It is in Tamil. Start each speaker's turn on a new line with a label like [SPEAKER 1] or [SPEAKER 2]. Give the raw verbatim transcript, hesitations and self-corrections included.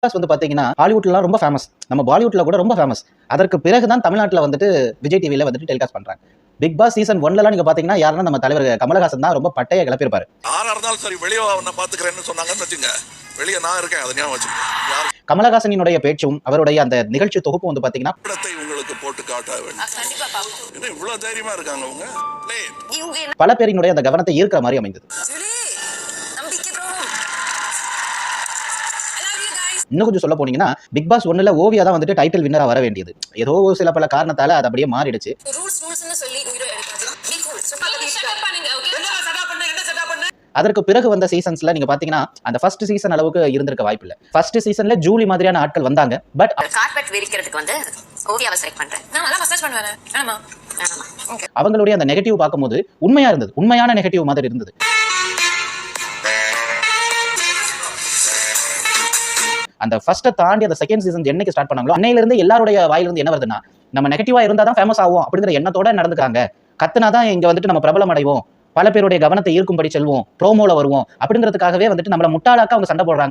[SPEAKER 1] பாஸ் வந்து பாத்தீங்கன்னா ஹாலிவுட்லாம் ரொம்ப ஃபேமஸ், நம்ம பாலிவுட்ல கூட ரொம்ப ஃபேமஸ். அதற்கு பிறகுதான் தமிழ்நாட்டுல வந்துட்டு விஜய் டிவில வந்துட்டு டெலிகாஸ்ட் பண்றாங்க. பிக் பாஸ் சீசன் ஒன்லலாம் நீங்க பாத்தீங்கன்னா யாருன்னா நம்ம தலைவர் கமலஹாசன் தான் ரொம்ப பட்டைய கிளப்பியிருப்பாரு.
[SPEAKER 2] யாரா இருந்தாலும் சரி வெளியே அவனை பாத்துக்கிறேன்னு சொன்னாங்கன்னு வச்சுங்க, வெளியே நான் இருக்கேன், அதை ஞாபகம் வச்சுக்கோங்க.
[SPEAKER 1] கமலஹாசனுடைய பேச்சும் அவருடைய அந்த நிகழ்ச்சி தொகுப்பு வந்து பாத்தீங்கன்னா
[SPEAKER 2] படத்தை உங்களுக்கு போட்டு காட்ட வேண்டும். என்ன இவ்வளவு தைரியமா இருக்காங்க அவங்க?
[SPEAKER 1] பல பேரினுடைய அந்த கவனத்தை ஈர்க்கிற மாதிரி அமைந்தது. இன்னும் கொஞ்சம் சொல்ல போனீங்கன்னா பிக் பாஸ் ஒன்னுல ஓவியா தான் வந்துட்டு டைட்டில் வின்னரா வர வேண்டியது. ஏதோ சில பல காரணத்தால அது அப்படியே மாறிடுச்சு. அதற்கு பிறகு வந்த சீசன்ஸ்ல நீங்க பாத்தீங்கன்னா அந்த ஃபர்ஸ்ட் சீசன் அளவுக்கு இருந்திருக்க வாய்ப்பு இல்ல. ஃபர்ஸ்ட் சீசன்ல ஜூலி மாதிரியான ஆட்கள் வந்தாங்க. பட்
[SPEAKER 3] கார்பெட் விரிக்கிறதுக்கு வந்து ஓவியாவை செலக்ட் பண்றேன். நான் நல்லா மசாஜ் பண்ணுவேன். ஆமா. ஓகே.
[SPEAKER 1] அவங்களுடைய அந்த நெகட்டிவ் பாக்கும்போது உண்மையா இருந்தது. உண்மையான நெகட்டிவ் மாதிரி இருந்தது. அந்த ஃபர்ஸ்ட் தாண்டி அந்த செகண்ட் சீசன் என்னைக்கு ஸ்டார்ட் பண்ணாங்களோ அன்னையில இருந்து எல்லாருடைய வாயில இருந்து என்ன வருதுன்னா நம்ம நெகட்டிவா இருந்தா தான் ஃபேமஸ் ஆகும் அப்படிங்கிற எண்ணத்தோட நடந்துக்காங்க. கத்துனாதான் இங்க வந்துட்டு நம்ம பிரபலம் அடைவோம், பல பேருடைய கவனத்தை ஈர்க்கும்படி செல்வோம், ப்ரோமோல வருவோம் அப்படிங்கிறதுக்காகவே வந்துட்டு நம்மள முட்டாளாக்க அவங்க சண்டை போடுறாங்க.